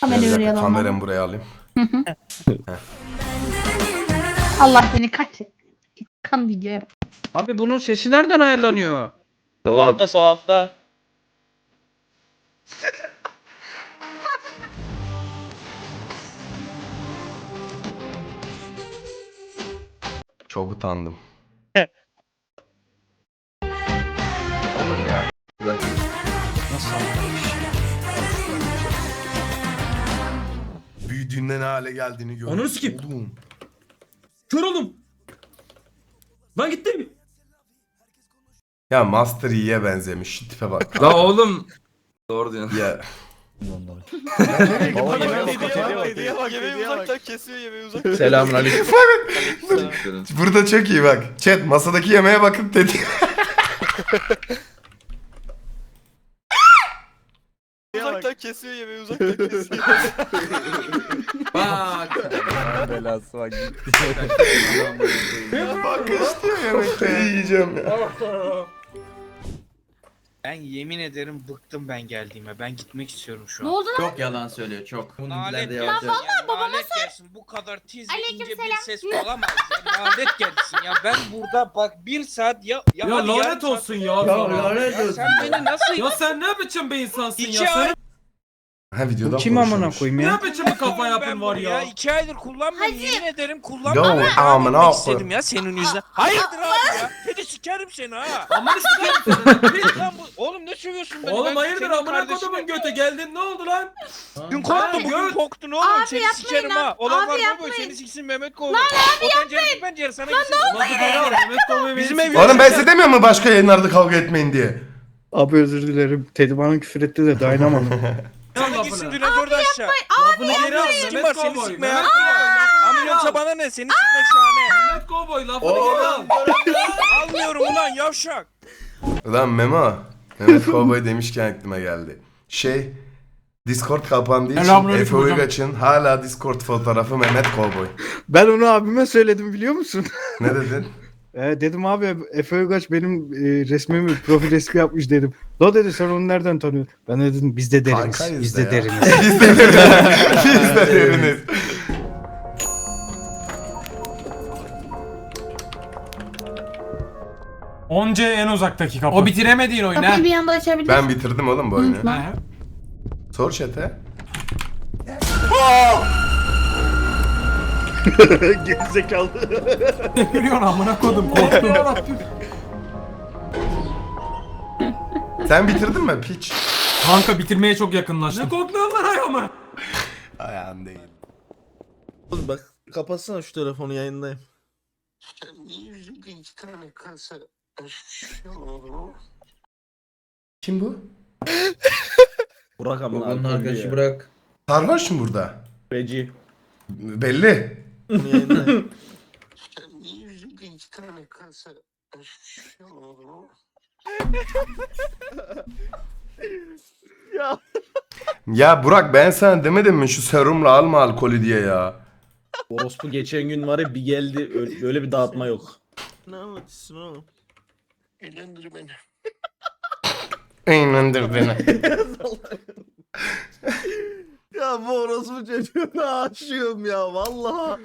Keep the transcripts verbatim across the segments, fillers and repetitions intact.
Kamerayı Bir oraya dakika, alalım. kameramı buraya alayım. Allah seni kahretsin. Kan videoya. Abi bunun sesi nereden ayarlanıyor? Soğukta soğukta. Çok utandım. Nasıl? Büyüdüğünde ne hale geldiğini gördüm. Ananı sikeyim. Oğlum. Kör oldum. Lan gittim. Ya Master Yi'ye benzemiş. Şu tipe bak. La oğlum. Doğru diyorsun. Ya. Yemeği uzaktan kesiyor, yemeği uzaktan. Selamünaleyküm. Burada çok iyi bak. Chat masadaki yemeğe bakın dedi. Uzaktan kesiyor, yemeği uzaktan kesiyor. Bak. Belası bak gitti. Bak istiyor yemekte yiyeceğim ya. Ben yemin ederim bıktım ben geldiğime. Ben gitmek istiyorum şu Ne an. oldu lan? Çok yalan söylüyor çok. Bunun Lanet dilerde gelsin. yavaş yavaş. Ya, lanet gelsin. Bu kadar tiz ve ince bir Aleykümselam. ses olamaz. Ya, lanet gelsin ya. Ben burada bak bir saat ya... Ya, Ya hadi yarım lanet saat- olsun ya. Ya sana. lanet Ya olsun. sen beni nasıl... Ya sen ne biçim bir insansın İki ya? ay- Sen Ha videodan Kim amına konuşuyormuş. koyayım ya? ne biçim bir kafa yapın Ben var bunu ya? İki aydır kullanmıyorum. Yemin ederim kullanmıyorum. Ya Ben amına gitmek koy- istedim ya senin yüzünden. Hayırdır abi ya? Seni sikerim seni ha. Aman işte. Lan bu... Oğlum ne sövüyorsun beni? Oğlum Ben hayırdır senin amına kardeşim- kodumun göte geldin ne oldu lan? Dün korktun bugün Gör- korktun oğlum. Abi seni yapmayın sikerim lan. ha. Olan Abi var mı yapmayın. böyle seni siksin Mehmet Kovboy. Lan abi o pencere bu pencere sana gitsin. Nasıl geri al? Mehmet Kovboy Bizim beni- ev- Oğlum ben size demiyor mu başka yayınlarda kavga etmeyin diye? Abi özür dilerim. Teddy bana küfür etti de dayanamadım. Al Sana gitsin lafını. dinozor da aşağı. Lafını geri al Kim Mehmet var seni Kovboy. sikmeye? Mehmet Kovboy. Ama lafını yoksa geri al. bana ne seni sikmek şahane. Mehmet Kovboy lafını geri al. Almıyorum ulan yavşak. Ulan Memo. Mehmet Kovboy demişken aklıma geldi. Şey Discord kapandığı için Selamünaleyküm Efe hocam. Uygaç'ın hala Discord fotoğrafı Mehmet Kovboy. Ben onu abime söyledim biliyor musun? Ne dedin? E, dedim abi Efe Uygaç benim e, resmimi profil resmi yapmış dedim. O dedi sen onu nereden tanıyorsun? Ben de dedim biz de deriniz. Kankayız Biz da de ya. deriniz. Biz de deriniz. Biz de deriniz. Onca en uzaktaki kapı. O bitiremediğin oyunu ha. Kapıyı bir anda açabilirsin. Ben bitirdim oğlum bu oyunu. Unutma. Ha. Sor chat'e. Gerizekalı. Ne biliyorsun amına kodum korktum. Yarabbim. Sen bitirdin mi piç? Kanka bitirmeye çok yakınlaştım. Ne korkuyorsun lan ayağıma? Ayağın değil. Oğlum bak kapatsana şu telefonu yayındayım. Kim bu? Burak amına. Bunun arkadaşı bırak. Sarhoş mu burada? Beci. Belli. Bunu yayındayım. ya. Ya Burak ben sana demedim mi şu serumla alma alkolü diye ya. Orospu geçen gün var ya bir geldi öyle, öyle bir dağıtma yok. Ne anlatıyorsun oğlum? İnandır beni. Ya bu orospu çocuğuna aşığım ya vallahi.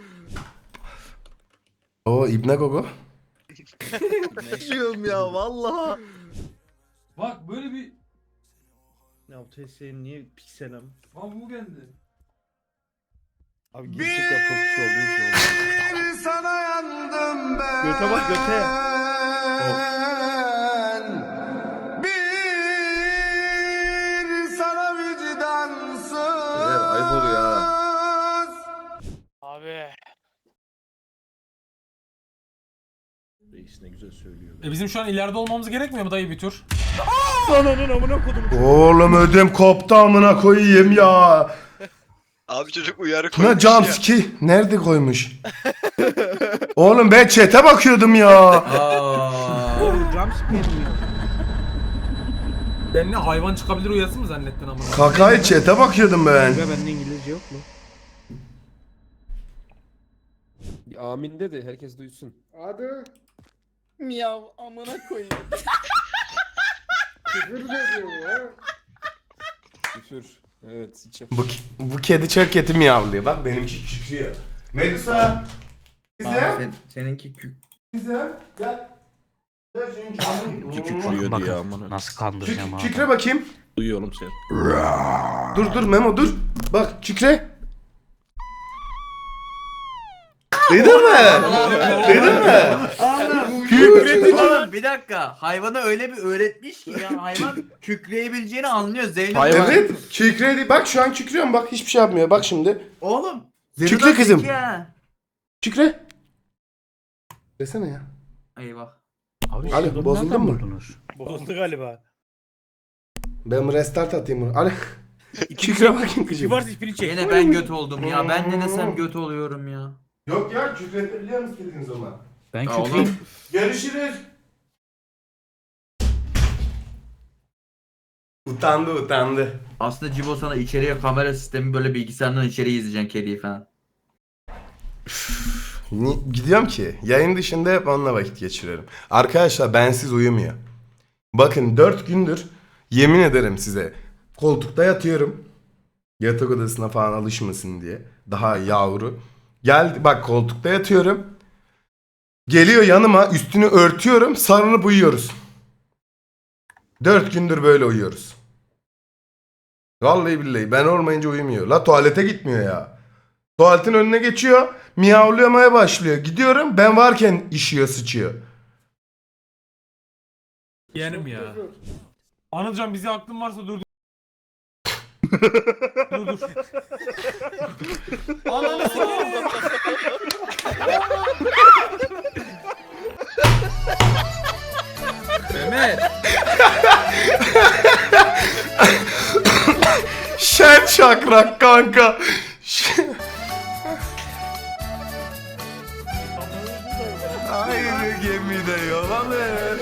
O İbne Gogo. Aşığım ya vallahi. Bak böyle bir... Ya bu T S'nin niye pikselim? Aa bu geldi. Abi gerçekten çok kişi oldu şu oldu. Sana yandım ben. Göte bak göte. Bir sana vicdansız. Beyler, ayıp oluyor ha. Abi. Reis ne güzel söylüyor. E bizim şu an ileride olmamız gerekmiyor mu dayı bir tur? Ananın amına kodum. Oğlum ödüm koptu amına koyayım ya. Abi çocuk uyarı Ne koymuş jumpski nerede koymuş? Oğlum ben chat'e bakıyordum ya. Aa. Oğlum jumpscare mi ya? Ben ne hayvan çıkabilir uyası mı zannettin amına? Kakayı chat'e bakıyordum ben. Ya bende İngilizce yok mu? Amin dedi herkes duysun. Hadi. Miyav amına koyayım. Küfür. Evet içim. Bu, bu kedi çok kötü miyavlıyor. Bak benimki kükrüyor. Medusa. Bize. Seninki kük. Bize. Gel. Gel senin canın. Kükrüyor diye amına. Nasıl kandıracağım Kük, abi. kükre bakayım. Duyuyorum seni. Dur dur Memo dur. Bak kükre. Duydun mu? Duydun mu? Kükre. Oğlum bir dakika. Hayvana öyle bir öğretmiş ki ya hayvan kükreyebileceğini anlıyor. Zeynep. Hayvan. Evet. Kükredi. Bak şu an kükrüyorum. Bak hiçbir şey yapmıyor. Bak şimdi. Oğlum. Kükre Zeynep kızım. zeki ha. Kükre. Desene ya. Eyvah. Abi Ali, siz bunu bozuldun nereden mu? buldunuz? Bozuldu galiba. Ben restart atayım bunu. Ali. Kükre bakayım kızım. Varsa hiçbirini çek. Yine ben göt oldum ya. Ben ne desem göt oluyorum ya. Yok ya kükretebiliyor musun istediğin zaman? Ben Ya kükreyim. Görüşürüz. Utandı utandı. Aslında Cibo sana içeriye kamera sistemi böyle bilgisayardan içeriye izleyeceksin kediyi falan. Ni- Gidiyorum ki yayın dışında hep onunla vakit geçiriyorum. Arkadaşlar bensiz uyumuyor. Bakın dört gündür yemin ederim size koltukta yatıyorum. Yatak odasına falan alışmasın diye. Daha yavru. Geldi bak koltukta yatıyorum. Geliyor yanıma üstünü örtüyorum sarılıp uyuyoruz. Dört gündür böyle uyuyoruz. Vallahi billahi ben olmayınca uyumuyor. La tuvalete gitmiyor ya. Tuvaletin önüne geçiyor. Miyavlamaya başlıyor. Gidiyorum ben varken işiyor sıçıyor. Yeğenim ya. Anılcan bize aklın varsa dur. dur dur. Ananı sikeyim. Mehmet. Şen şakrak kanka. Şen- Aynı gemide yol alır.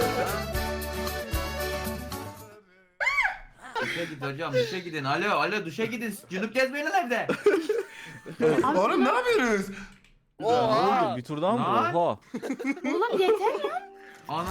Duşa git hocam duşa gidin. Alo alo duşa gidin. Cünüp gezmeyin nerede? Oğlum ne yapıyorsunuz? Oha. Bir tur daha mı? Lan. Oha. Oğlum yeter ya. Ana.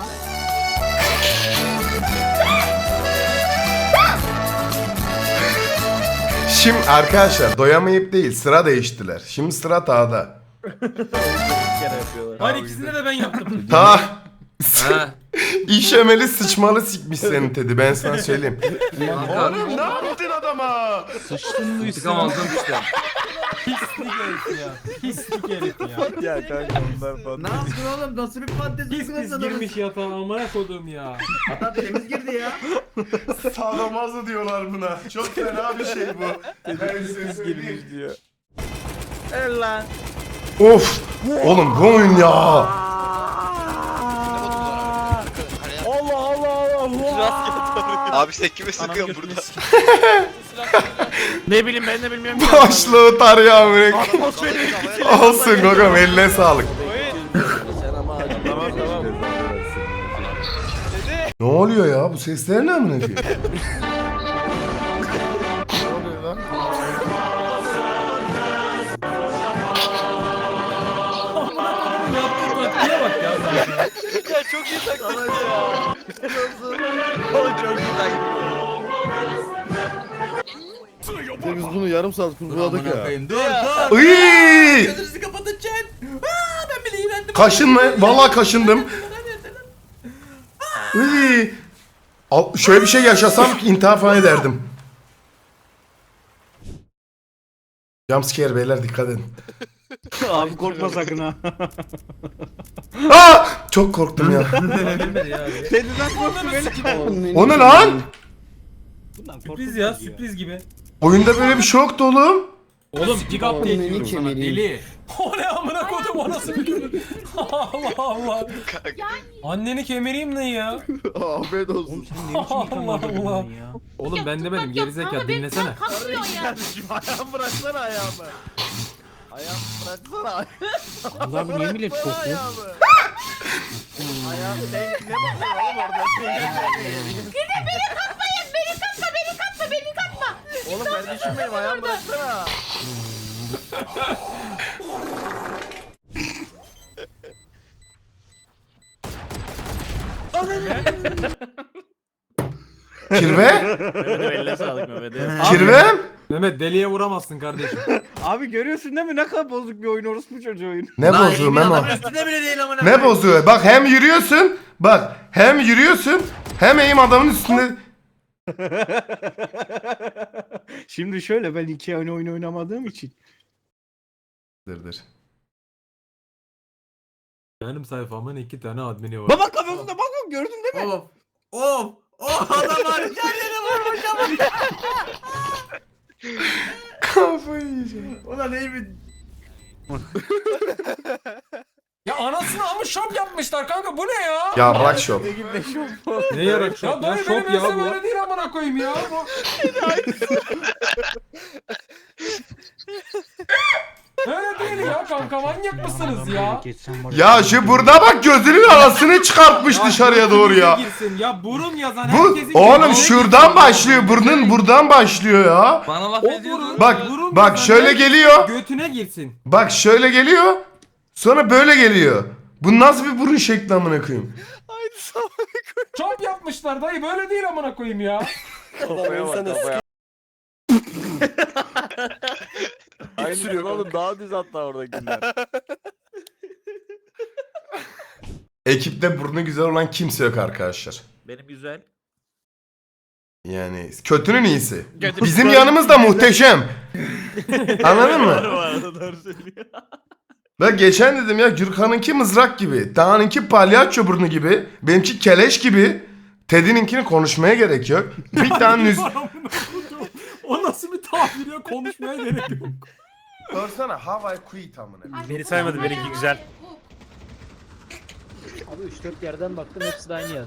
Şimdi arkadaşlar doyamayıp değil sıra değiştiler. Şimdi sıra Tağ'da. kere yapıyorlar. Hayır ikisini de ben yaptım. Tağ Ha. işemeli sıçmalı sikmiş senin Teddy ben sana söyleyeyim. Kanka. Oğlum ne yaptın adama? Sıçtın mı Çıkamazdım işte. Pislik herif ya. Pislik herif ya. Ya kanka onlar falan. Ne yaptın oğlum? Nasıl bir patates Pis pis girmiş yatağa amına koduğum ya. Hatta temiz girdi ya. Sadomazo diyorlar buna. Çok fena bir şey bu. Ben size söyleyeyim. Girmiş diyor. El lan. Of! Oğlum bu oyun ya. Allah Allah Allah. Abi sen kime sıkıyorsun burada? Ne bileyim ben de bilmiyorum. Başlığı tar ya bırak. Olsun Gogom eline sağlık. Tamam tamam. Ne oluyor ya? Bu sesler ne amına koyayım? Yaptığı taktiğe bak ya. Ya çok iyi taktik ya. Oğlum çok iyi taktik. Biz bunu yarım saat kurguladık ya. Dur dur. Iiii! Gözünüzü kapatın chat. Aa, ben bile iğrendim. Kaşınma. Vallahi kaşındım. Iiii! Al- Şöyle bir şey yaşasam intihar falan ederdim. Jumpscare beyler dikkat edin. Abi korkma sakın ha. Aa! Çok korktum ya. Kediden korktu beni. O ne lan? Bundan Sürpriz ya sürpriz gibi. Oyunda böyle bir şey yoktu oğlum. Oğlum pick up diye diyorum sana deli. O ne amına kodum o nasıl bir gülü? Allah Allah. Anneni kemireyim ne ya? Afiyet olsun. Allah Allah. Oğlum ben demedim gerizekalı dinlesene. Kardeşim ayağımı bıraksana ayağımı. Ayağımı bıraksana. Allah bu niye millet korkuyor? Ayağımı. Ayağım ne ne bakıyor oğlum orada? Gidin beni katmayın. Beni katma beni katma beni katma. Oğlum kardeşim benim ayağımı bıraksana. Kirve? Mehmet'e eline sağlık Mehmet'e. Kirve? Mehmet deliye vuramazsın kardeşim. Abi görüyorsun değil mi ne kadar bozuk bir oyun orospu çocuğu oyun. Ne Lan bozuğu Emin Memo? adamın üstünde bile değil amına Ne koyayım. bozuğu? Bak hem yürüyorsun. Bak hem yürüyorsun. Hem eğim adamın üstünde. Şimdi şöyle ben iki oyun oyun oynamadığım için. Dır dır. Benim sayfamın iki tane admini var. Baba kafasında bak gördün değil mi? Of. Of. Of adam var. Kendini vurmuş ama. Kafayı yiyeceğim. Ulan iyi bir... Ya anasını ama şop yapmışlar kanka bu ne ya? Ya bırak şop. Ne yarak ya? Dayı benim ensem öyle değil amına koyayım ya. Bu... Öyle değil ya kanka manyak mısınız ya? Ya şu burada bak gözünün arasını çıkartmış dışarıya doğru ya. Girsin. Ya burun yazan Bu herkesin oğlum gözüne şuradan girsin. başlıyor. Burnun buradan başlıyor ya. Bana laf O ediyorsun. burun, Bak burun bak yazan şöyle herkesin geliyor. Götüne girsin. Bak şöyle geliyor. Sonra böyle geliyor. Bu nasıl bir burun şekli amına koyayım? Şop yapmışlar dayı böyle değil amına koyayım ya. Kafaya bak kafaya. Aynı sürüyor oğlum daha düz hatta oradakiler. Ekipte burnu güzel olan kimse yok arkadaşlar. Benim güzel. Yani kötünün iyisi. Bizim yanımızda muhteşem. Anladın mı? Ben geçen dedim ya Gürkan'ınki mızrak gibi. Dağ'ınki palyaço burnu gibi. Benimki keleş gibi. Teddy'ninkini konuşmaya gerek yok. Bir tane nüz... O nasıl bir tabir ya konuşmaya gerek yok. Sorsana how I quit amına. Beni saymadı benimki güzel. Abi üç dört yerden baktım hepsi de aynı yazdı.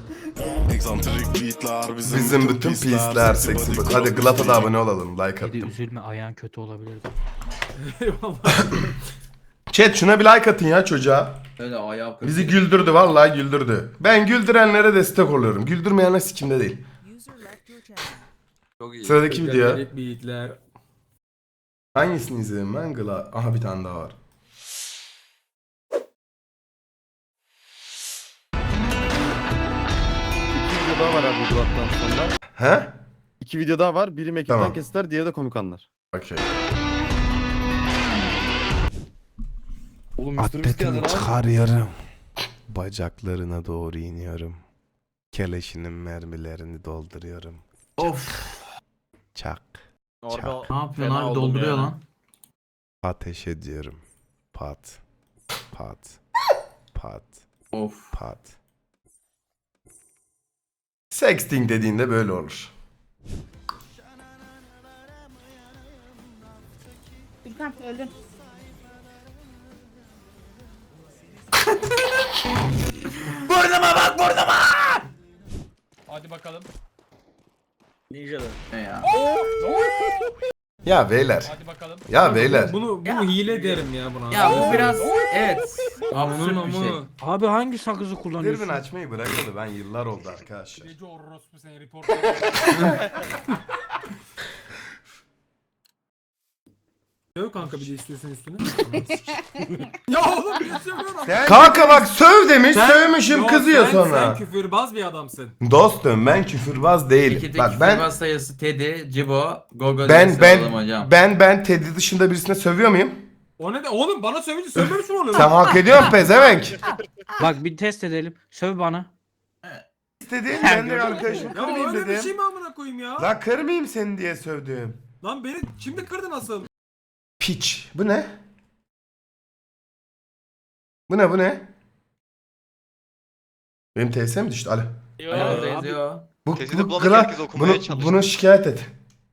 Bizim bütün pisler seksi. Bak hadi Glap'a da abone olalım. Like attım. Üzülme ayağın kötü olabilirdi. Eyvallah. Chat şuna bir like atın ya çocuğa. Öyle ayağı kırık. Bizi güldürdü vallahi güldürdü. Ben güldürenlere destek oluyorum. Güldürmeyenler sikimde değil. Çok iyi. Sıradaki video. Garip beatler. Hangisini izledim ben? Gla... Aha bir tane daha var. İki video daha var abi bu hattan sonra. He? İki video daha var. Biri mekikten Tamam. kesitler, diğeri de komik anlar. Okey. Oğlum mister Beast geldi lan. çıkarıyorum. Bacaklarına doğru iniyorum. Keleşinin mermilerini dolduruyorum. Of. Çak. Orada Ne yapıyorsun fena abi oldum dolduruyor yani. lan. Ateş ediyorum. Pat. Pat. Pat. Of. Pat. Sexting dediğinde böyle olur. Gürkan öldün. Burnuma bak burnuma. Hadi bakalım. Ninja'da. Ne ya? Ya beyler. Hadi bakalım. Ya beyler. Bunu bu Ya. hile derim ya buna. Ya bu biraz evet. Aman Absürt bir şey. aman. Abi hangi sakızı Dürbün kullanıyorsun? açmayı bırakalı ben yıllar oldu arkadaşlar. Gece orospu seni report. Söv kanka bir de istiyorsan üstüne. Ya oğlum bir sövüyorum. Kanka bak söv demiş sövmüşüm Yok, kızıyor sen, sonra. Sen küfürbaz bir adamsın. Dostum ben küfürbaz değilim. İki Bak tek ben ben sayısı Teddy, Cibo, Gogo ben ben, ben hocam. ben ben Teddy dışında birisine sövüyor muyum? O ne de oğlum bana sövünce sövmemiş mi oluyor? Sen hak ediyorsun pezevenk. Bak bir test edelim. Söv bana. İstediğin ben de arkadaşım Ya kırmayayım öyle bir şey dedim. mi amına koyayım ya? La kırmayayım seni diye sövdüm. Lan beni şimdi kırdı nasıl? Piç. Bu ne? Bu ne bu ne? Benim T S mi düştü? Alo. Ayağındayız ya. Bu, Tezini bu, bulanık gra- herkes okumaya bunu, çalıştı. bunu şikayet et.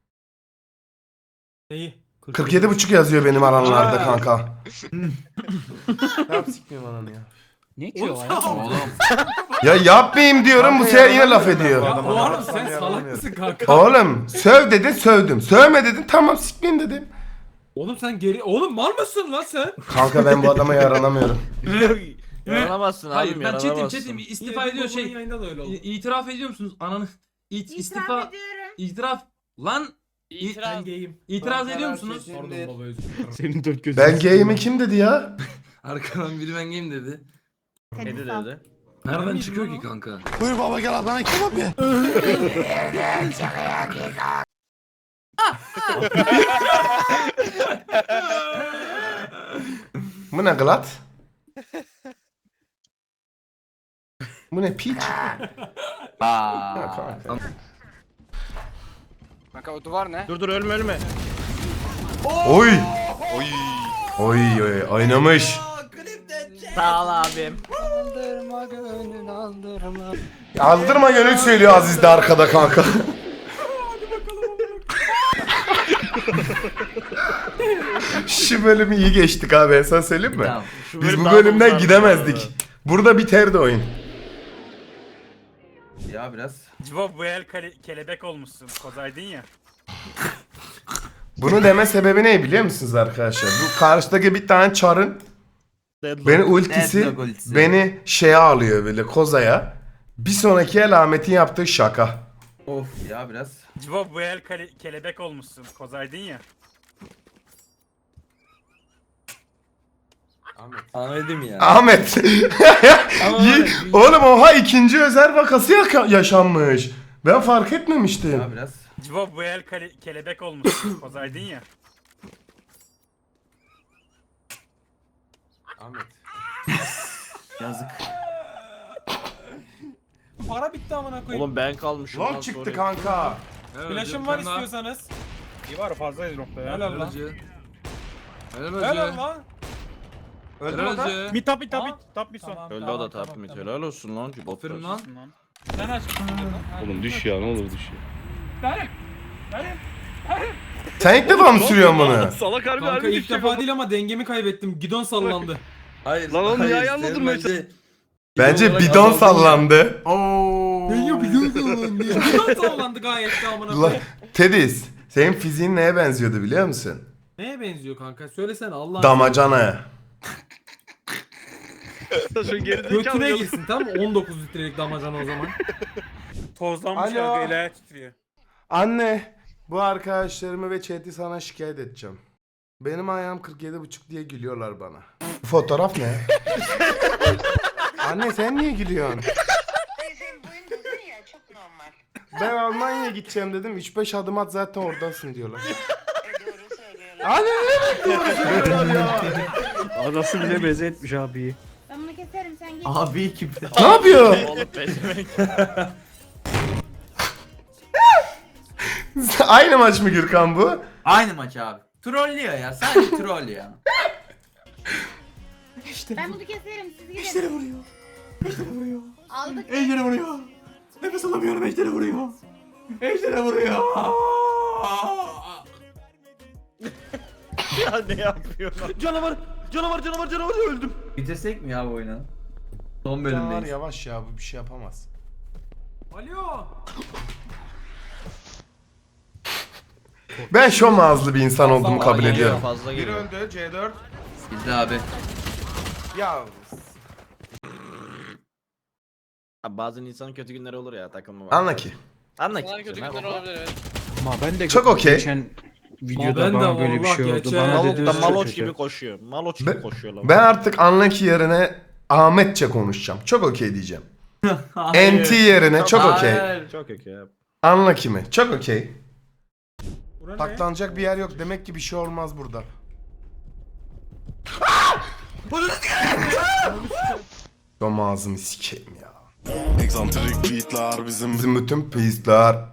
Neyi? kırk yedi buçuk yazıyor benim alanlarda kanka. Ne yap sikmeyeyim ananı ya. Ne ki Oğlum o sen, ya? Oğlum. Ya yapmayayım diyorum bu sefer yine laf ediyor. ya Adamı oğlum anlatsam sen salak yaranamıyorum. mısın kanka? Oğlum söv dedin sövdüm. Sövme dedin tamam sikmeyeyim dedim. Oğlum sen geri... Oğlum mal mısın lan sen? Kanka ben bu adama yaranamıyorum. Yaranamazsın abi. Hayır ben çetim yaranamazsın. çetim istifa Yine ediyor bu bunun şey. yayında da öyle oldu. İ- İtiraf ediyor musunuz? Ananı İt, İtiraf istifa ediyorum. itiraf lan Ben gayim. itiraz ediyor musunuz? Pardon baba özür dilerim. Senin dört gözün. Ben gayimi kim dedi ya? Arkadan biri ben gayim dedi. Kedi dedi. Nereden miydim çıkıyor lan ki o? kanka? Buyur baba gel ablana kebap ye. Bu ne glat? Bu ne piç? Aa. Ya kanka. Kanka o duvar ne? Dur dur ölme ölme. Oy! Oy. Oy oy oynamış. Sağ ol abim. Aldırma gönül aldırma. Aldırma gönül söylüyor Aziz de arkada kanka. Şu bölümü iyi geçtik abi, ben sana söyleyeyim mi? Tamam. Şu Biz bölüm bu daha da bölümden uzardı gidemezdik. bu arada. Burada biterdi oyun. Ya biraz. Cibo bu el kale- kelebek olmuşsun. Kozaydın ya. Bunu deme sebebi ne biliyor musunuz arkadaşlar? Bu karşıdaki bir tane çarın Deadlock. beni ultisi, Deadlock ultisi. beni şeye alıyor böyle kozaya. Bir sonraki el Ahmet'in yaptığı şaka. Of ya biraz. Cibo bu el kale- kelebek olmuşsun. Kozaydın ya. Anladım ya. Ahmet. Yi- Oğlum oha ikinci özel vakası yaka- yaşanmış. Ben fark etmemiştim. Ya biraz. Cibo bu el kale- kelebek olmuşsun. Kozaydın ya. Yazık. Para bitti amına koyayım. Oğlum ben kalmışım. Lol lan, çıktı sorry. kanka. Flash'ım var istiyorsanız. İyi var fazlayız nokta ya. Helal Helal lan. hacı. Helal Helal hacı. lan. Helal hacı. Bir tap bir tap bir Tamam. tap bir son. Tamam, Öldü tamam, o da tamam, tap mid. tamam. Helal olsun lan. Cibot Aferin var. lan. Sen aç. Oğlum düş ya ne olur düş ya. Benim. Benim. Sen ilk defa mı sürüyorsun bunu? Salak harbi Kanka harbi ilk düşecek defa oğlum. değil ama dengemi kaybettim. Gidon sallandı. Hayır. Lan oğlum hayır, niye ayağınla senin durmaya bence- Bence olarak bidon azaldın ya. sallandı. Oo. Denge gidon sallandı. Gidon sallandı gayet de amına La, koyayım. Tedis, senin fiziğin neye benziyordu biliyor musun? Neye benziyor kanka? Söylesene Allah. Damacanaya. Şu gerizekalı Götüne yolu- girsin tamam mı? on dokuz litrelik damacana o zaman. Tozlanmış Alo. ya. El titriyor. Anne, bu arkadaşlarımı ve chat'i sana şikayet edeceğim. Benim ayağım kırk yedi buçuk diye gülüyorlar bana. Bu fotoğraf ne? Anne sen niye gülüyorsun? Ben Almanya'ya gideceğim dedim. üç beş adım at zaten oradasın diyorlar. Anne ne bekliyorlar ya? Anası bile beze etmiş abiyi. Ben bunu keserim sen git. Abi kim? Ne yapıyor? Oğlum pezevenk. Aynı maç mı Gürkan bu? Aynı maç abi. Trollüyor ya. Sadece troll ya. Ben bunu keserim siz gidin. Eşleri vuruyor. Eşleri vuruyor. Aldık. Ejderi vuruyor. Nefes alamıyorum. Ejderi vuruyor. Ejderi vuruyor. Ya ne yapıyorsun? Canavar canavar canavar canavar öldüm. Bitirsek mi ya bu oyunu? Son Canavar bölümdeyiz. yavaş ya, bu bir şey yapamaz. Alo. Ben şom ağızlı bir insan olduğumu kabul Geliyor, ediyorum. Fazla geliyor. öldü C dört. Gitti abi. Ya Abi bazen insanın kötü günleri olur ya takılma var. anla ki. Anla ki. Sana kötü Ne günler yapalım? olabilir evet. Ama ben de Çok okey. geçen videoda Ben de bana böyle bir vallahi şey oldu. geçen- Bana Malok dedi da maloç gibi koşuyor. Maloç gibi Ben- koşuyor lan. Ben artık Unlucky yerine Ahmetçe konuşacağım. Çok okey diyeceğim. N T yerine çok okey. Hayır. Çok okey ya. Unlucky mi? Çok okey. Bura ne? Taklanacak bir yer yok. Demek ki bir şey olmaz burada. Şom ağzımı sikeyim ya. Egzantrik beatler bizim. Bizim bütün pisler.